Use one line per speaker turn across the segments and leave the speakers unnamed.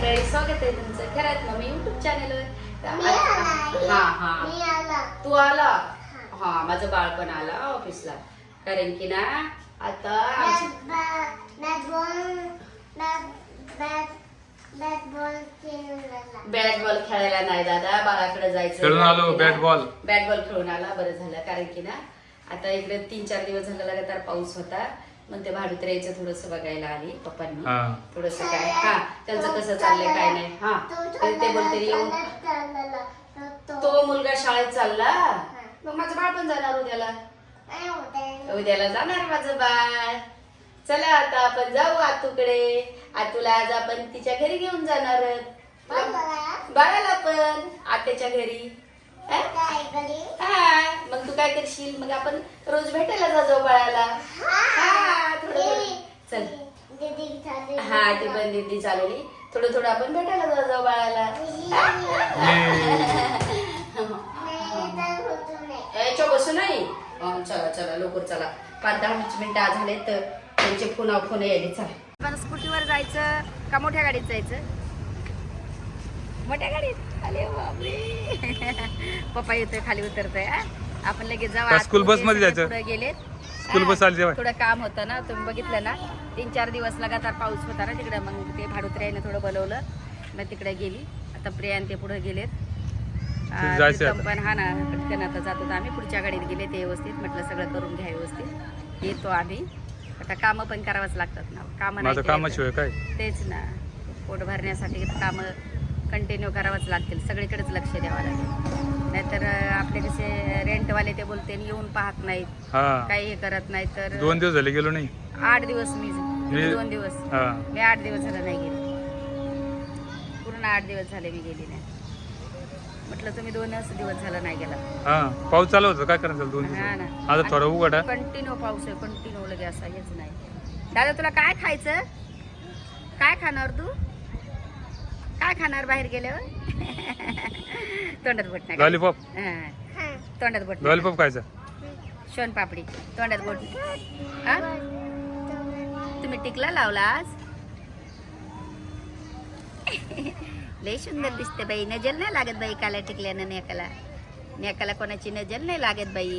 मंडळी, स्वागत आहे तुमचं खरंच मम्मी युट्यूब चॅनलवर. तू आला? हा, माझं बाळ पण आला ऑफिसला. कारण की ना आता बॅट बॉल खेळायला नाही दादा, बाळाकडे जायचं.
खेळून आलो बॅट बॉल
खेळून आला. बरं झालं, कारण की ना आता इकडे 3-4 दिवस झाला लगातार पाऊस होता. मग ते भाडुत्र्याचं थोडस बघायला आली पप्पांनी. थोडस काय त्यांचं कसं चाललंय काय नाही. ते बोलते येऊन तो मुलगा शाळेत चालला, मग माझं बाळ पण जाणार उद्याला. उद्याला जाणार माझं बाळ. चला आता आपण जाऊ आतूकडे. आतूला आज आपण तिच्या घरी घेऊन जाणार बाळाला पण आत्याच्या घरी. मग तू काय करशील? मग आपण रोज भेटायला जाऊ बाळाला. चल. ती पण दीदी चालवली. थोडं आपण भेटायला जाऊ बाळाला. बसू नाही. चला लवकर चला. 5-10 मिनिटं झाले तर त्यांचे फोन यायले. चला आपण स्कूटीवर जायचं का मोठ्या गाडीत जायचं? मोठ्या गाडीत. अरे बापरे, पप्पा येतोय खाली उतरतोय. आपण लगेच जाऊ.
स्कूल बस मध्ये जायचं.
गेलेत.
स्कूल बस आली जेव्हा
थोडं काम होतं ना, तुम्ही बघितलं ना 3-4 दिवस लगातार पाऊस होता ना तिकडे. मग ते भाडुत्र्याने थोडं बोलवलं, मग तिकडे गेली. आता प्रियान ते पुढे गेलेत. पण हा ना, पटकन आता जात होतो आम्ही. पुढच्या गाडीत गेले ते व्यवस्थित. म्हटलं सगळं करून घ्या व्यवस्थित. येतो आम्ही. आता कामं पण करावंच लागतात ना.
कामाशिवाय काय?
तेच ना, पोट भरण्यासाठी कामं कंटिन्यू करावंच लागतील. सगळीकडेच लक्ष द्यावं लागेल. नाहीतर आपले कसे रेंटवाले ते बोलते येऊन पाहत नाहीत, काही हे करत नाही. तर
2 दिवस झाले गेलो नाही.
8 दिवस मी 2 दिवस मी 8 दिवस झालं नाही गेले. पूर्ण 8 दिवस झाले मी गेली नाही. म्हटलं तुम्ही 2 दिवस झालं नाही गेला.
पाऊस चालू होता, काय करायचं 2 दिवस.
हा ना,
आता थोडा उघडा.
कंटिन्यू पाऊस आहे, कंटिन्यू लगे असा हेच नाही. दादा तुला काय खायचं? काय खाणार तू? काय खाणार बाहेर गेल्यावर? तोंडात बोट नाही.
लॉलीपॉप.
तोंडात बोट.
लॉलीपॉप खायचा.
शोन पापडी तोंडात बोट. तुम्ही टिकला लावला आज? लय सुंदर दिसते बाई. नजर नाही लागत बाई काला टिकल्यानं. नेकाला कोणाची नजर नाही लागत बाई.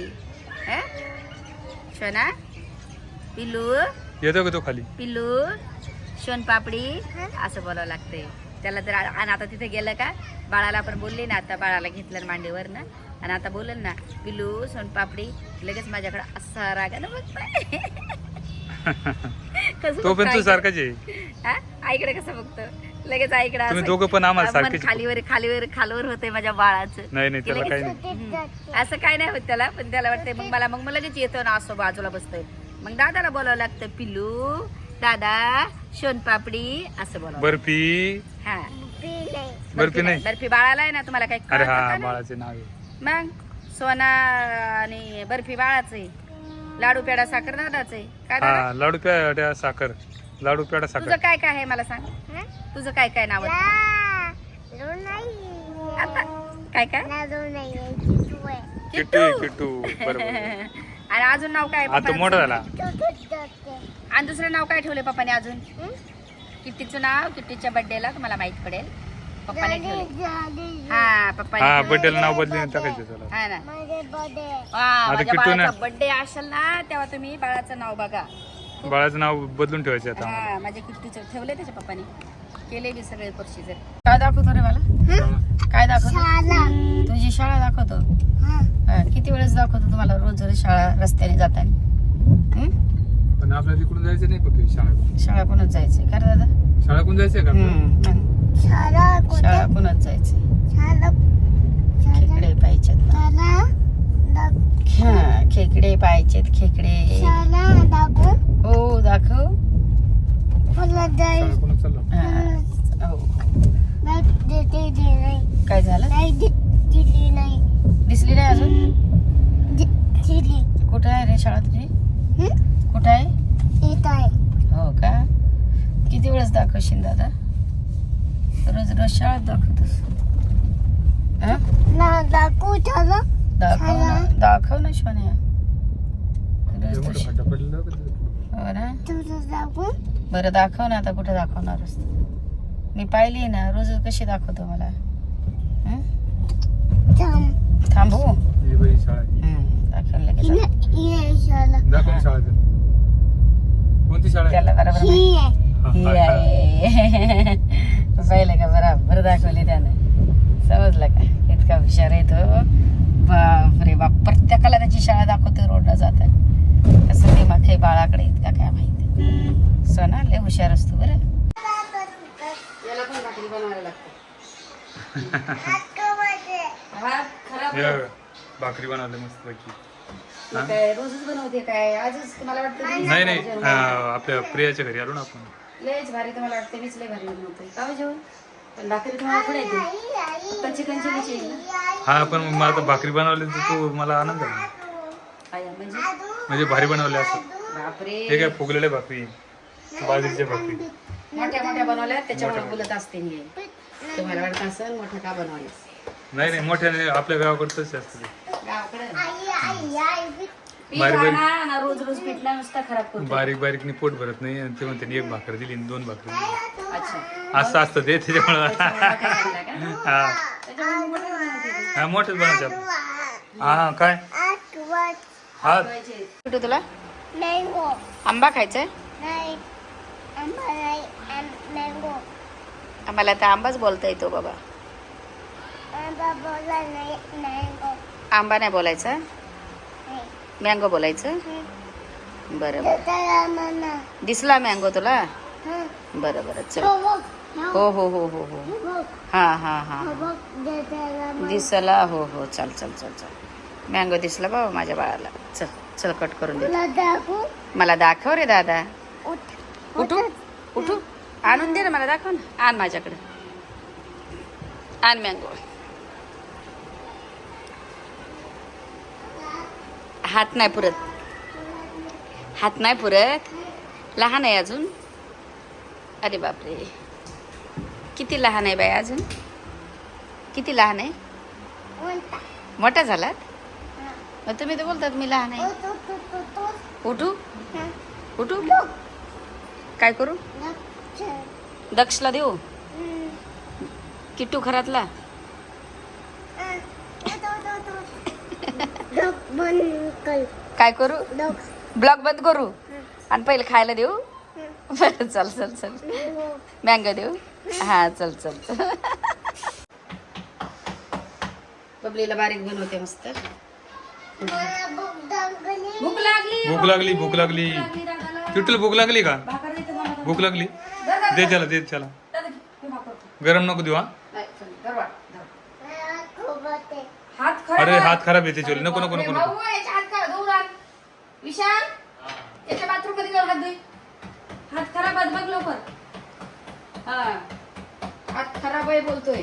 शोना पिल्लू
येतो का तो खाली?
पिल्लू शोन पापडी असं बोलावं लागतंय त्याला. तर आणि आता तिथे गेलं का बाळाला आपण बोलले ना, आता बाळाला घेतलं मांडीवर ना, आणि आता बोलल ना पिल्लू सोन पापडी, लगेच माझ्याकडे असा रागानं बघतोय.
तो पण तू सारखाच आहे.
आईकडे कसं बघतो लगेच. आईकडे
तुम्ही दोघं पण आम्हाला सारखेच.
खालीवर होते माझ्या बाळाचं.
नाही त्याला काही नाही.
असं काय नाही होत त्याला. पण त्याला वाटतंय मग लगेच येतो ना, असं बाजूला बसतोय. मग दादाला बोलावं लागतं पिल्लू दादा शोन पापडी असं बोलावं.
बर्फी. बर्फी नाही.
बर्फी बाळाला आहे ना. तुम्हाला काही?
अरे हा, बाळाचे नाव आहे.
मग सोना आणि बर्फी बाळाचं आहे. लाडू पेढा साखर दादाचं आहे. काय
लाडू पेढा साखर. लाडू पेढा साखर.
तुझं काय काय आहे मला सांग. तुझं काय काय नाव? आता काय
किट्टू. बरोबर.
आणि अजून नाव काय?
आता मोठा झाला.
आणि दुसरं नाव काय ठेवले पप्पाने अजून? किट्टीचं नाव किट्टीच्या बर्थडेला तुम्हाला माहित पडेल पप्पाने ठेवले. पप्पाने
बर्थडेला नाव बदलून टाकायचं त्याला.
हा ना. माझ्या बाळाचा बर्थडे असेल ना तेव्हा तुम्ही बाळाचं नाव बघा.
बाळाचं नाव बदलून ठेवायचं आता.
माझ्या किट्टीचं ठेवले त्याच्या पप्पाने. केले मी सगळे प्रोसिजर. काय दाखवतो रे मला? काय दाखवतो? तुझी शाळा दाखवतो. किती वेळेस दाखवतो तुम्हाला रोज शाळा रस्त्याने जाताना?
पण आपल्याला तिकडून जायचं नाही फक्त
शाळा कोणच जायचंय का रे दादा?
शाळा कोण जायचंय का?
शाळा कोणच जायचंय? खेकडे पाहिजेत. खेकडे पाहिजेत. खेकडे हो दाखव. काय झालं? दिसली नाही अजून? कुठे आहे रे शाळा तुझी? कुठे आहे? हो का? किती वेळेस दाखवशील दादा? रोज शाळेत दाखवतोस? दाखव ना शोन्या. हो ना. बरं दाखव ना आता. कुठे दाखवणारच? मी पाहिली ना रोज कशी दाखवतो मला. हं? थांबू
ही बाई शाळा आहे.
दाखवलं लगेच.
दाखव ना शाळा ते. कोणती शाळा आहे?
त्याला बरोबर माहिती. ही आहे. पाहिलं का बरोबर दाखवली त्यानं. समजलं का इतका हुशार आहे तो. बापरे बाप प्रत्येकाला त्याची शाळा दाखवतो रोडला जातात. कसं दिमाग आहे बाळाकडे इतका काय माहिती. सोना लय हुशार असतो बरं. याला पण भाकरी बनवायला लागते. हा खराब
हे बघा, भाकरी बनवले मस्त पैकी.
मग काय रोजच बनवते काय आजच मला वाटतं.
नाही नाही आपल्या प्रियाच्या घरी आलो ना आपण.
लयच भारी तर मला वाटतं मीच लय भारी बनवते का जेवण. पण भाकरी तुम्हाला पुढे येते पण चिकन चिलीची येईल ना.
हा पण मग मला आता भाकरी बनवली तर तू मला आनंद झाला.
आया म्हणजे
म्हणजे भारी बनवले असं.
बापरे
हे काय फुगलेले भाकरी बाजरीच्या भाकरी
मोठ्या मोठ्या बनवल्या त्याच्यामुळे बोलत असते मी. तुम्हाला वाटत असेल मोठ्या का बनवले.
नाही नाही मोठ्याने आपल्या गावाकडचंच असतं ते.
गावाकडे
बारीक
रोज रोज पिठला नुसता खराब करतो.
बारीक बारीकनी पोट भरत नाही आणि ते म्हणते एक भाकर दिली आणि 2 भाकरी दिली.
अच्छा
असं असतं ते त्याच्यामुळं हा हा मोठेच बनवतात. हा काय हा
कुठे तुला आंबा खायचाय. आम्हाला आता आंबाच बोलता येतो बाबा. आंबा नाही बोलायचा मँगो बोलायचं. बरं बरं दिसला मँगो तुला. बरं बरं चल. हो हो हो हो हो हा हा हा दिसला. हो हो चल चल चल चल मँगो दिसला बाबा माझ्या बाळाला. चल चल कट करून दे. मला दाखव रे दादा. उठू उठू आणून दे ना मला दाखव ना. आण माझ्याकडे आण मँगो. हात नाही पुरत हात नाही पुरत. लहान आहे अजून. अरे बापरे किती लहान आहे बाई अजून. किती लहान आहे. मोठा झालात मग तुम्ही तर बोलतात मी लहान आहे. उठू उठू काय करू. दक्षला देऊ किट्टू घरातला. काय करू ब्लॉग बंद करू आणि पहिले खायला देऊ. बरं चल चल चल मँगो देऊ. हा चल चल चल. बबलीला बारीक बनवते मस्त. भूक लागली
भूक लागली भूक लागली तुला भूक लागली का. भूक लागली दे त्याला दे त्याला. गरम नको देऊ. हा अरे हात खराब येते चोली. नको नको नको नको.
विशाल याच्या बाथरूम मध्ये जाऊन हात धुई. हात खराब आहे बघ लवकर. हा हात खराब आहे बोलतोय.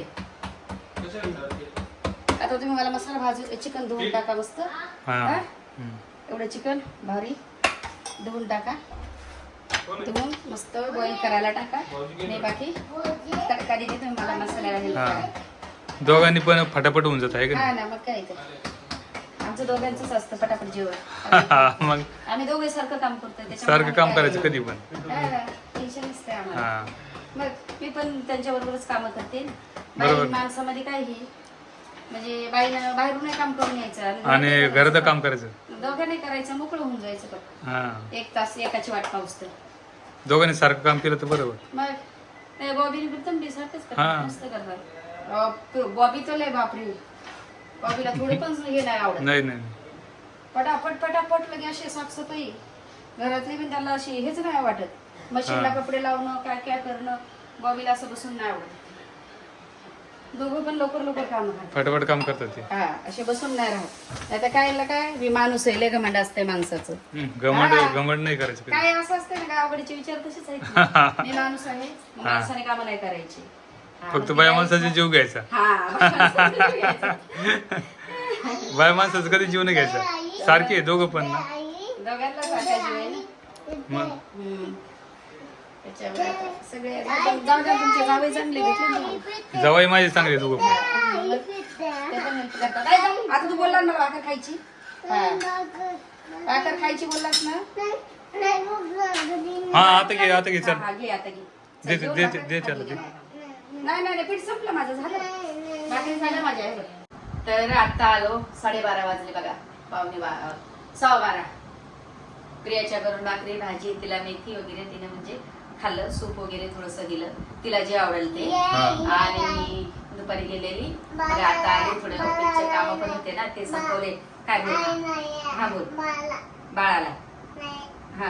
आता तुम्ही मला मसाला भाजून चिकन धुवून टाका मस्त.
हा
एवढं चिकन भारी धुवून टाका. धुवून मस्त बॉईल करायला टाका. नाही बाकी तडका देते तुम्ही मला मसाल्याला हेल्प करा.
दोघांनी पण फटाफट होऊन जात आहे का
हा ना मग काय ते आमचं दोघांचंच असतं पटापट जेवण.
मग
आम्ही दोघे सारखं काम करतोय
सारखं काम करायचं कधी पण.
टेन्शन नसते आम्हाला.
हा
मग मी पण त्यांच्या बरोबरच काम करते.
बरोबर.
बाई माणसामध्ये काय ही म्हणजे बाईनं बाहेरून काम करून यायचं
आणि घरात काम करायचं.
दोघांनी करायचं मोकळं होऊन जायचं फक्त.
हा
1 तास एकाची वाट पाहूस तर.
दोघांनी सारखं काम केलं तर बरोबर.
मग बॉबीने पण तंबी सारखंच
हा.
करतात मस्त करतात. बॉबी तर लय बापरे बॉबीला थोडी पण हे नाही आवडत.
नाही नाही
पटापट पटापट लगे अशी साफसफाई घरातली पण त्याला अशी हेच नाही वाटत. मशीनला कपडे लावणं काय काय करणं बॉबीला असं बसून नाही आवडत. दोघं पण लवकर लवकर काम करतात.
फटाफट काम करतात ते.
हा असे बसून नाही राहत. आता काय मी माणूस आहे लय घमंड असते माणसाचं.
घमंड घमंड नाही करायचं कधी.
काय असं असते ना गावाकडचे विचार तसेच आहेत. मी माणूस आहे माणसाने कामं नाही करायची.
फक्त बाया माणसाचा जीव घ्यायचा. बाया माणसाचा कधी जीव नाही घ्यायचा. सारखे दोघं पण ना.
दोघांना सारखा जीव आहे ना.
मग
त्याच्यामुळे आता सगळे जाऊ द्या तुमचे जावई चांगले भेटले ना.
जवाई माझे चांगले दोघं पण.
ते पण help करतात. काय जाऊ? आता तू बोलला ना भाकर खायची. भाकर खायची बोललास ना.
हा आता घे चल.
हा घे आता घे.
दे दे दे दे त्याला दे.
नाही पीठ संपलं माझं, झालं भाकरी झालं माझ्या. तर आता आलो, 12:30 वाजले बघा, 11:15 प्रियाच्या घरून भाकरी भाजी, तिला मेथी वगैरे तिने म्हणजे खाल्लं, सूप वगैरे थोडस दिलं तिला जे आवडेल ते. आणि दुपारी गेलेली, मग आता आली, थोडे ऑफिसचे काम पण होते ना ते संपवले. काय बोल? हा बोल. बाळाला हा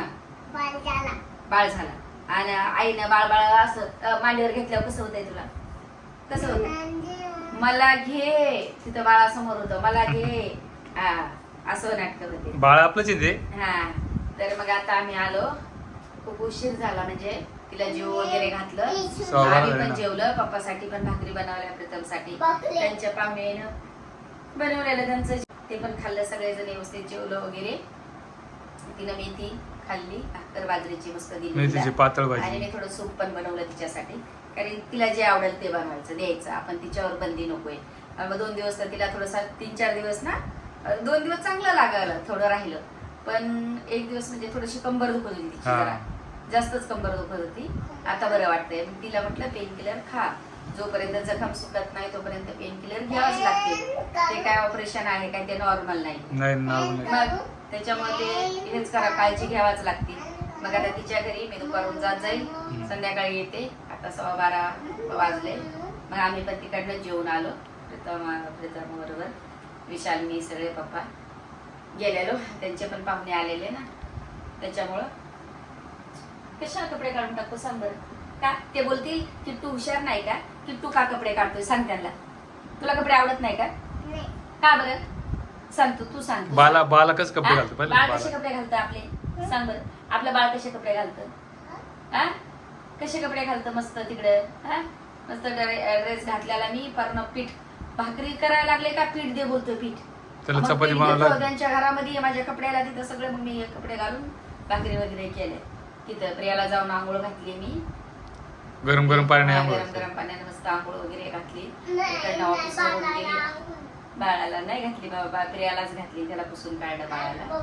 बाळ झाला. आणि आईनं बाळ असं मांडीवर घेतल्यावर कसं होतंय तुला? कसं होत? मला घे, तिथं बाळासमोर होतं, मला घे, हा असं नाटक होते.
बाळ आपलंच येते.
हा, तर मग आता आम्ही आलो, खूप उशीर झाला, म्हणजे तिला जेव वगैरे घातलं, आम्ही पण जेवलं, पप्पासाठी पण भाकरी बनवल्या, प्रीतमसाठी, त्यांच्या पाहुण्यानं बनवलेलं त्यांचं ते पण खाल्लं, सगळेजण व्यवस्थित जेवलं वगैरे. तिनं मेथी खाल्ली, भाकर बाजरीची मस्त दिली
पातळ भाजी,
आणि मी थोडं सूप पण बनवलं तिच्यासाठी, कारण तिला जे आवडेल ते बनवायचं द्यायचं, आपण तिच्यावर बंदी नकोय. मग 2 दिवस तर तिला थोडंसं 3-4 दिवस ना, 2 दिवस चांगलं लागलं, थोडं राहिलं, पण 1 दिवस म्हणजे थोडीशी कंबर दुखत होती तिची, जरा जास्तच कंबर दुखत होती. आता बरं वाटतंय. तिला म्हटलं पेन किलर खा, जोपर्यंत जखम सुकत नाही तोपर्यंत पेन किलर घ्यावंच लागते. ते काय ऑपरेशन आहे काय, ते नॉर्मल नाही, मग त्याच्यामुळे ते हेच करा, काळजी घ्यावाच लागते. मग आता तिच्या घरी मी दुपारून जात जाईल, संध्याकाळी येते. आता 12:15 वाजले, मग आम्ही पण तिकडनं जेवून आलो, प्रीतम बरोबर, विशाल, मी, सगळे पप्पा गेलेलो, त्यांचे पण पाहुणे आलेले ना, त्याच्यामुळं कशा कपडे काढून टाकतो सांग बरं? का ते बोलतील की तू हुशार नाही का, की तू का कपडे काढतोय? सांग त्यांना, तुला कपडे आवडत नाही का? का बरं सांग, तू सांग.
बाला कसं कपडे घालतो?
बाळ कसे कपडे घालतं आपले? सांग बरं, आपलं बाळ कसे कपडे घालतं? हा, कसे कपडे घालतं? मस्त तिकडे हा, मस्त ड्रेस घातल्याला मी पर्ण पीठ भाकरी करायला लागले का पीठ दे बोलतोय, पीठ चपाती बनवला त्यांच्या घरामध्ये माझ्या कपड्याला, तिथं सगळं मग मी कपडे घालून भाकरी वगैरे केले. तिथं प्रियाला जाऊन आंघोळ घातली, मी गरम पाण्याने मस्त आंघोळ वगैरे घातली. तिकडनं ऑफिसवरून गेली, बाळाला नाही घातली बाबा, प्रियालाच घातली, त्याला पुसून काढलं बाळाला,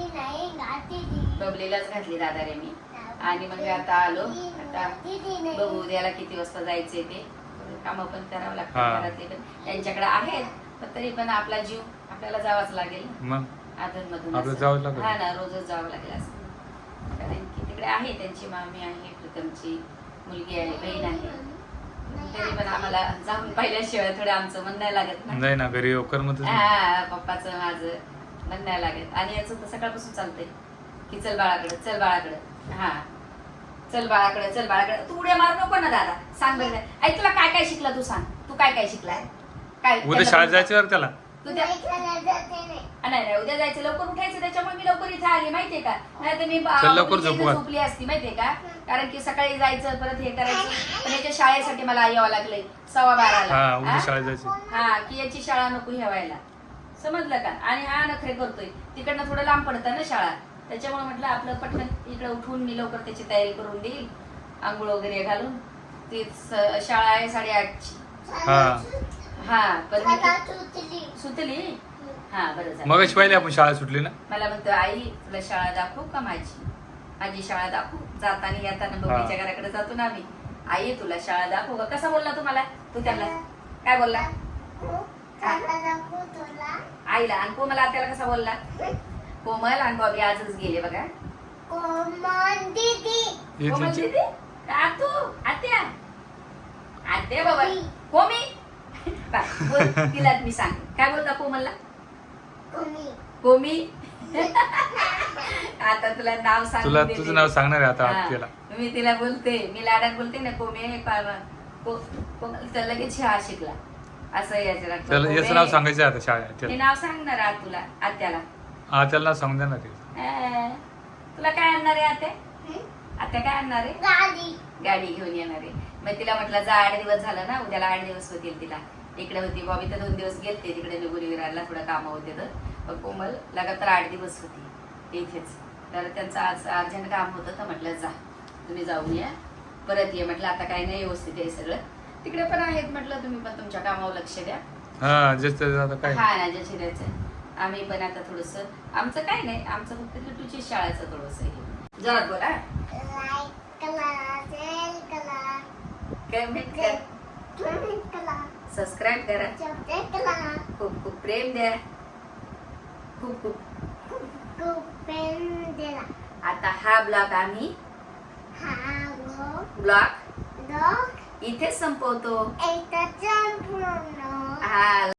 बबलीलाच घातली दादा रे मी. आणि मग आता आलो, आता बघू उद्याला किती वाजता जायचे ते, काम पण करावं लागतं घरातले पण, त्यांच्याकडे आहेत, पण तरी पण आपला जीव आपल्याला जावाच लागेल, अधूनमधून हा ना, रोजच जावं लागेल असं, कारण की तिकडे आहे त्यांची मामी आहे, प्रीतमची मुलगी आहे, बहीण आहे, तरी पण आम्हाला जाऊन पाहिल्याशिवाय थोडं आमचं मन नाही लागत ना,
नाही ना, घरी
पप्पाचं माझं मन नाही लागत. आणि याचं तर सकाळपासून चालतंय की चल बाळाकडे, चल बाळाकडे, हा चल बाळाकडे, चल बाळाकडे. तू उड्या मारू नको ना दादा, सांग बरं. आई तुला काय काय शिकला, तू सांग, तू काय काय शिकलाय? काय
उद्या शाळेत जायचं त्याला?
नाही, उद्या जायचं, लवकर उठायचं, त्याच्यामुळे मी लवकर इथे आली, माहितीये का? नाही तर मी
लवकर
झोपली असती, माहितीये का? कारण की सकाळी जायचं, परत हे करायचं, पण याच्या शाळेसाठी मला यावं लागलंय 12:15 हा, की याची शाळा नको ठेवायला, समजलं का? आणि हा नखरे करतोय, तिकडनं थोडं लांब पडतं ना शाळा, त्याच्यामुळे म्हटलं आपलं पटकन इकडे उठून मी लवकर त्याची तयारी करून देईल, आंघोळ वगैरे घालून. ती शाळा आहे 8:30ची, हा, पण सुतली, हा बरं झालं.
मग पहिले आपण शाळा सुटली ना,
मला म्हणतो आई तुला शाळा दाखवू का? माझी शाळा दाखवू. जाताना येताना बबलीच्या घराकडे जातो ना आम्ही, आई तुला शाळा दाखवू का? कसा बोलला तुम्हाला तू त्यांना? काय बोलला आईला? आणि कोमल आत्याला कसा बोलला? कोमल आणि बॉबी आजच गेले बघा. कोमल दीदी का तू? आत्या आत्या बाबा कोमी तिला मी सांग काय बोलता कोमलला? कोमी. आता तुला नाव सांग,
तुला तुझं नाव सांगणार आहे आता आत्याला.
मी तिला बोलते, मी लाडात बोलते ना कोमी, तर लगेच हा शिकला असं
याचं नाव सांगायचं आता शाळेत.
ते नाव सांगणार आज तुला आत्याला.
आत्याला नाव सांगून देणार ते.
तुला काय आणणार आहे आत्या? आत्या काय आणणार आहे? गाडी घेऊन येणार आहे. मग तिला म्हटलं जा, 8 दिवस झालं ना, उद्याला 8 दिवस होतील. तिला इकडे होती बॉबी तर 2 दिवस गेलते तिकडे निगुरी विरारला, थोडं काम होते तर. मग कोमल लगातार 8 दिवस होती इथेच. तर त्यांचं आज अर्जंट काम होतं, तर म्हटलं जा तुम्ही जाऊन या, परत ये म्हटलं. आता काही नाही, व्यवस्थित आहे सगळं, तिकडे पण आहेत म्हटलं, तुम्ही पण तुमच्या कामावर लक्ष द्या.
हा ना, ज्याची द्यायचं. आम्ही पण आता थोडस, आमचं काय नाही, आमचं फक्त लिटूची शाळेचं थोडस जरा बोला. कमेंट कर,
सबस्क्राईब करा, खूप खूप प्रेम द्या, खूप खूप आता हा ब्लॉग आम्ही ब्लॉग इथे संपवतो. हा